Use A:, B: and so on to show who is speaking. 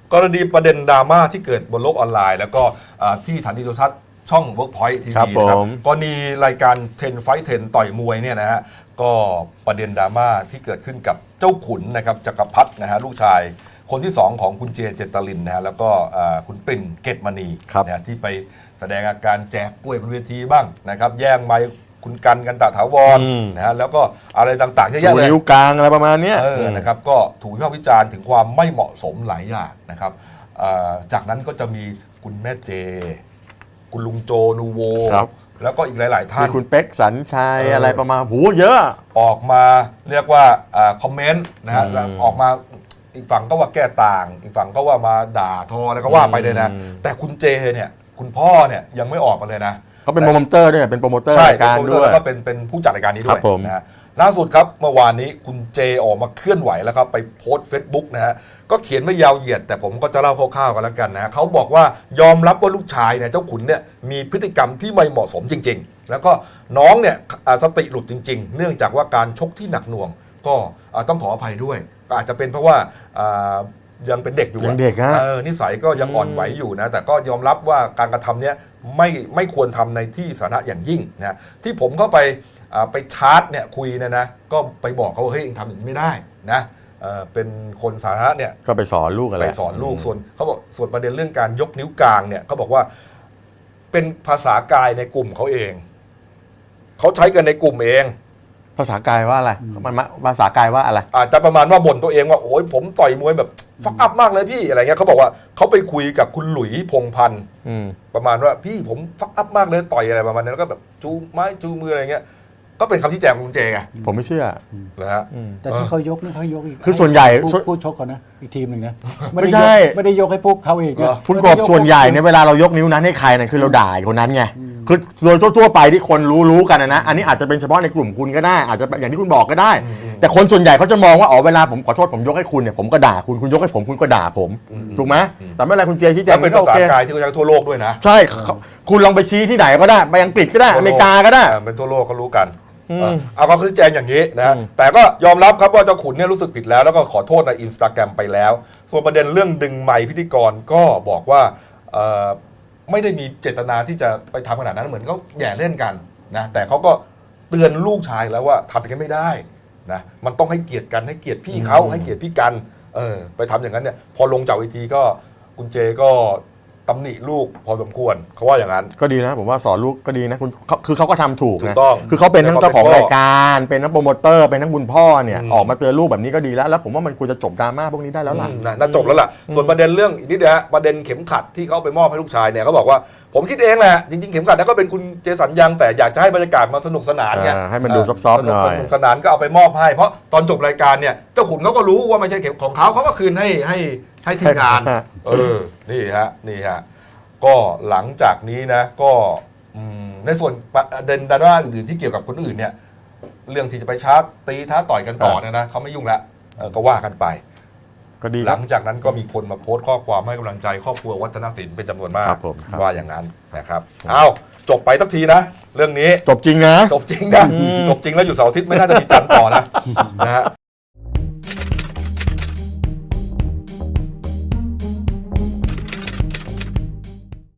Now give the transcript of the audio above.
A: กรณีประเด็นดราม่าที่เกิดบนโลกออนไลน์แล้วก็ที่สถานีโทรทัศน์ช่อง Workpoint ทีวีนะครับกรณีรายการ10 Fight 10ต่อยมวยเนี่ยนะฮะก็ประเด็นดราม่าที่เกิดขึ้นกับเจ้าขุนนะครับจักรพรรดินะฮะลูกชายคนที่2ของคุณเจเจตลินนะฮะแล้วก็คุณปิ่นเกตมณีนะฮะที่ไปแสดงอาการแจกกล้วยบนเวทีบ้างนะครับแย่งไมค์คุณกันตะถาวรนะฮะแล้วก็อะไรต่างๆเยอะแยะเลย
B: นิ้วกลางอะไรประมาณนี้
A: นะครับก็ถูกวิพากษ์วิจารณ์ถึงความไม่เหมาะสมหลายอย่างนะครับจากนั้นก็จะมีคุณแม่เจคุณลุงโจนูโวแล้วก็อีกหลายๆท่าน
B: คุณเป๊กสัญชัยอะไรประมาณโหเยอะ
A: ออกมาเรียกว่าคอมเมนต์นะฮะออกมาอีกฝั่งก็ว่าแก้ต่างอีกฝั่งก็ว่ามาด่าทอแล้วก็ว่าไปเลยนะแต่คุณเจเนี่ยคุณพ่อเนี่ยยังไม่ออกมาเลยนะ
B: เขาเป็นโปรโมเตอร์ด้วยเป็นโปรโมเตอร์รายการด้วย
A: แล้วก็เป็นผู้จัดรายการนี้ด้วยนะฮะล่าสุดครับเมื่อวานนี้คุณเจออกมาเคลื่อนไหวแล้วครับไปโพสต์ Facebook นะฮะก็เขียนไม่ยาวเหยียดแต่ผมก็จะเล่าคร่าวๆกันแล้วกันนะเขาบอกว่ายอมรับว่าลูกชายเนี่ยเจ้าขุนเนี่ยมีพฤติกรรมที่ไม่เหมาะสมจริงๆแล้วก็น้องเนี่ยสติหลุดจริงๆเนื่องจากว่าการชกที่หนักหน่วงก็ต้องขออภัยด้วยก็อาจจะเป็นเพราะว่ายังเป็นเด็กอยู่
B: ยังเด็กฮะ
A: นิสัยก็ยังอ่อนไหวอยู่นะแต่ก็ยอมรับว่าการกระทำเนี้ยไม่ควรทำในที่สาธารณะอย่างยิ่งนะที่ผมเข้าไปชาร์จเนี่ยคุยนะก็ไปบอกเขาว่าเฮ้ยเองทำอย่างนี้ไม่ได้นะเป็นคนสาธารณะเนี่ย
B: ก็ไปสอนลูกอะไร
A: ไปสอนลูกส่วนเขาบอกส่วนประเด็นเรื่องการยกนิ้วกลางเนี่ยเขาบอกว่าเป็นภาษากายในกลุ่มเขาเองเขาใช้กันในกลุ่มเอง
B: ภาษากายว่าอะไรภาษากายว่าอะไร
A: อาจจะประมาณว่าบ่นตัวเองว่าโอ้ยผมต่อยมวยแบบฟักอัพมากเลยพี่อะไรเงี้ยเขาบอกว่าเขาไปคุยกับคุณหลุยพงพันธ์ประมาณว่าพี่ผมฟักอัพมากเลยต่อยอะไรประมาณนั้นแล้วก็แบบจูไม้จูมืออะไรเงี้ยก็เป็นคำที่แจงของคุณเจไง
B: ผมไม่เชื่อ
A: นะฮะ
C: แต่ที่เขายกนี่เขายกอีก
B: คือส่วนใหญ่
C: ผู้ชกก่อนนะอีกทีมหนึ่งนะ
B: ไม่ใช่
C: ไม่ได้ยกให้พวกเขาเองนะ
B: คุณกบส่วนใหญ่เนี่ยเวลาเรายกนิ้วนั้นให้ใครนะคือเราด่าคนนั้นไงคือโดยทั่วไปที่คนรู้กันนะอันนี้อาจจะเป็นเฉพาะในกลุ่มคุณก็ได้อาจจะอย่างที่คุณบอกก็ได้แต่คนส่วนใหญ่เขาจะมองว่าอ๋อเวลาผมขอโทษผมยกให้คุณเนี่ยผมก็ด่าคุณยกให้ผมคุณก็ด่าผมถูกไหมแต่ไม่เป็นไรคุณเจชี้แจง
A: เป็นภาษากายที่เขาใช้ทั่วโลกด้วยนะ
B: ใช่คุณลองไปชี้ที่ไหนก็ได้ไปอังกฤษก็ได้อเมริกาก็ได้
A: เป็นทั่วโลกเขารู้กันเอาเขาชี้แจงอย่างนี้นะแต่ก็ยอมรับครับว่าเจ้าขุนเนี่ยรู้สึกผิดแล้วแล้วก็ขอโทษใน Instagram ไปแล้วส่วนประเด็นเรื่องดึงไมค์พิธีกรก็บอกว่าไม่ได้มีเจตนาที่จะไปทำขนาดนั้นเหมือนเขาแย่เล่นกันนะแต่เขาก็เตือนลูกชายแล้วว่าทำอย่างนั้นไม่ได้นะมันต้องให้เกียรติกันให้เกียรติพี่เขาให้เกียรติพี่กันไปทำอย่างนั้นเนี่ยพอลงจากเวทีก็คุณเจก็ตำหนิลูกพอสมควรเขาว่าอย่างนั้น
B: ก็ดีนะผมว่าสอนลูกก็ดีนะคุณคือเขาก็ทำถูกนะ
A: ต้อง
B: คือเขาเป็นทั้งเจ้าของรายการเป็นทั้งโปรโมเตอร์เป็นทั้งคุณพ่อเนี่ยออกมาเตือนลูกแบบนี้ก็ดีแล้วผมว่ามันควรจะจบดราม่าพวกนี้ได้แล้วล่ะ
A: น่าจบแล้วล่ะส่วนประเด็นเรื่องอีกนิดเดียวประเด็นเข็มขัดที่เขาไปมอบให้ลูกชายเนี่ยเขาบอกว่าผมคิดเองแหละจริงๆเข็มขัดนั้นก็เป็นคุณเจสัญญังแต่อยากจะให้บรรยากาศมาสนุกสนานไง
B: ให้มันดูซอฟๆหน่อย
A: สนุกสนานก็เอาไปมอบให้เพราะตอนจบรายการเนี่ยเจ้าขุนเขาก็รู้ว่าไม่ใช่เข็มของเขาก็คืนให้ทีมงานนี่ฮะก็หลังจากนี้นะก็ในส่วนประเด็นดราม่าอื่นๆที่เกี่ยวกับคนอื่นเนี่ยเรื่องที่จะไปชาร์จตีท้าต่อยกันต่อเนี่ยนะเขาไม่ยุ่งแล้วก็ว่ากันไป
B: ก็ดี
A: หลังจากนั้นก็มีคนมาโพสต์ข้อความให้กำลังใจครอบครัววัฒนศิลป์เป็นจำนวนมากว่าอย่างนั้นนะครับเอาจบไปสักทีนะเรื่องนี้
B: จบจริงนะ
A: จบจริงแล้วอยู่เสาร์อาทิตย์ไม่น่าจะมีจันทร์ต่อนะฮะ